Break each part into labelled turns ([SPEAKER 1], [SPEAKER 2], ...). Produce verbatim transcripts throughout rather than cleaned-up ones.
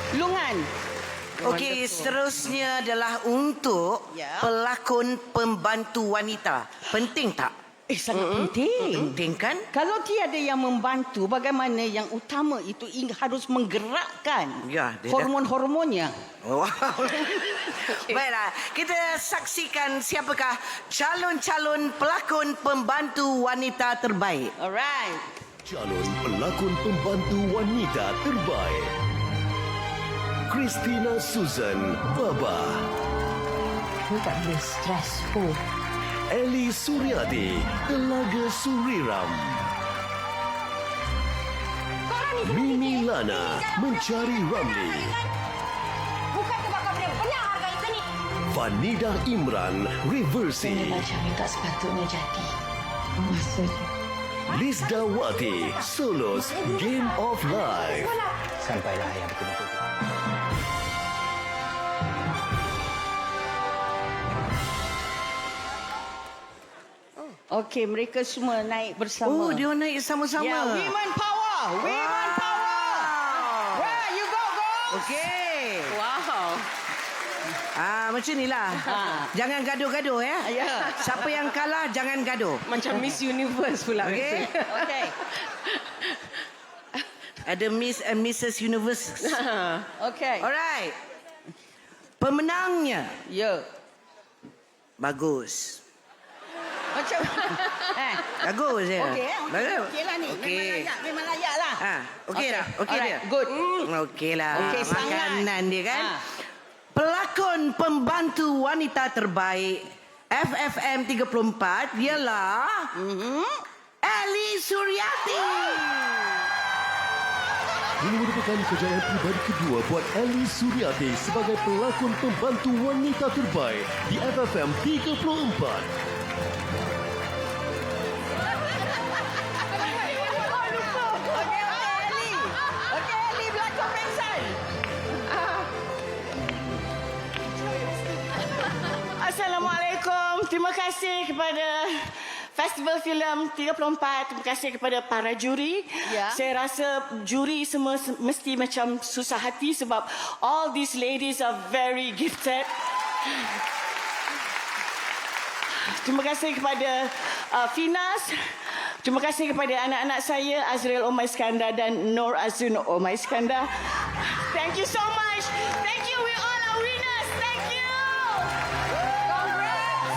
[SPEAKER 1] Lungan.
[SPEAKER 2] Okey, seterusnya adalah untuk
[SPEAKER 1] Ya.
[SPEAKER 2] pelakon pembantu wanita. Penting tak?
[SPEAKER 1] Eh, sangat mm-hmm. penting.
[SPEAKER 2] Penting kan?
[SPEAKER 1] Kalau tiada yang membantu, bagaimana yang utama itu ing- harus menggerakkan
[SPEAKER 2] Ya, dia
[SPEAKER 1] hormon-hormonnya.
[SPEAKER 2] Wow. Baiklah, kita saksikan siapakah calon-calon pelakon pembantu wanita terbaik.
[SPEAKER 1] Alright.
[SPEAKER 3] Calon pelakon pembantu wanita terbaik. Christina Susan Baba.
[SPEAKER 4] Aku tak boleh stres. Oh.
[SPEAKER 3] Eli Suryati, Telaga Suriram. Mimi Lana, Mencari Ramli.
[SPEAKER 4] Bukan sebab kau boleh benar harga ikan ni.
[SPEAKER 3] Vanida Imran, Reversi.
[SPEAKER 4] Macam ni tak sepatutnya jadi. Maksudnya.
[SPEAKER 3] Lizda Wati, Solos, Game of Life.
[SPEAKER 5] Sampailah yang betul-betul.
[SPEAKER 1] Okey, mereka semua naik bersama.
[SPEAKER 2] Oh, dia naik sama-sama.
[SPEAKER 1] Ya, women power. Women power. Where you go, go.
[SPEAKER 2] Okey.
[SPEAKER 1] Wow.
[SPEAKER 2] Ah, macam inilah.
[SPEAKER 1] Ha.
[SPEAKER 2] Jangan gaduh-gaduh ya.
[SPEAKER 1] Ya.
[SPEAKER 2] Siapa yang kalah jangan gaduh.
[SPEAKER 1] Macam Miss Universe pula.
[SPEAKER 2] Okey.
[SPEAKER 1] Okey.
[SPEAKER 2] Ada Miss and Missus Universe.
[SPEAKER 1] Okey.
[SPEAKER 2] Alright. Pemenangnya
[SPEAKER 1] Ya.
[SPEAKER 2] bagus.
[SPEAKER 1] Macam eh.
[SPEAKER 2] Bagus ya.
[SPEAKER 1] Okey, eh?
[SPEAKER 2] Bagus.
[SPEAKER 1] Okey lah ni.
[SPEAKER 2] Okey.
[SPEAKER 1] Memang layak, memang layak lah.
[SPEAKER 2] Ha, okey dah. Okey
[SPEAKER 1] Alright,
[SPEAKER 2] dia.
[SPEAKER 1] good.
[SPEAKER 2] Okey lah.
[SPEAKER 1] Okey, sangat.
[SPEAKER 2] Makanan dia kan.
[SPEAKER 1] Ha.
[SPEAKER 2] Pelakon pembantu wanita terbaik F F M tiga puluh empat ialah
[SPEAKER 1] Mhm.
[SPEAKER 2] Eli Suryati.
[SPEAKER 3] Ini merupakan kejayaan pribadi kedua buat Eli Suryati sebagai pelakon pembantu wanita terbaik di F F M tiga puluh empat.
[SPEAKER 1] Okey, okey, Eli. Okey, Eli berlakon pengsan. Assalamualaikum. Terima kasih kepada Festival Filem tiga puluh empat. Terima kasih kepada para juri.
[SPEAKER 4] Ya.
[SPEAKER 1] Saya rasa juri semua se- mesti macam susah hati sebab all these ladies are very gifted. Terima kasih kepada uh, Finas. Terima kasih kepada anak-anak saya Azrael Omar Iskandar dan Nur Azun Omar Iskandar. Thank you so much. Thank you. We all are winners. Thank you. Congrats.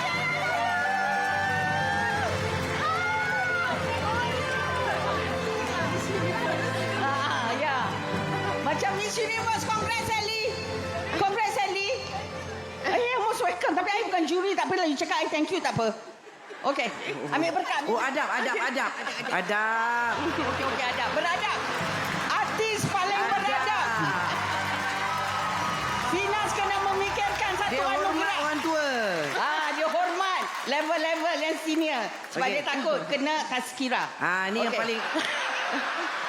[SPEAKER 1] Ah, ya. Macam Miss Universe. Congrats, Ellie. Congrats, Ellie. Eh, most welcome. Tapi I bukan juri. Tak apalah. You cakap I thank you. Tak apa. Okey. Ambil berkat.
[SPEAKER 2] Oh, adab, adab, adab. Adab.
[SPEAKER 1] Okey, okey, adab. Beradab. Artis paling beradab. Finas kena memikirkan satu
[SPEAKER 2] Dia hormat
[SPEAKER 1] anugerah.
[SPEAKER 2] orang tua.
[SPEAKER 1] Ah, dia hormat. Level-level yang senior. Sebab
[SPEAKER 2] Okey.
[SPEAKER 1] dia takut kena tazkirah.
[SPEAKER 2] Ah, ni yang
[SPEAKER 1] Okey.
[SPEAKER 2] paling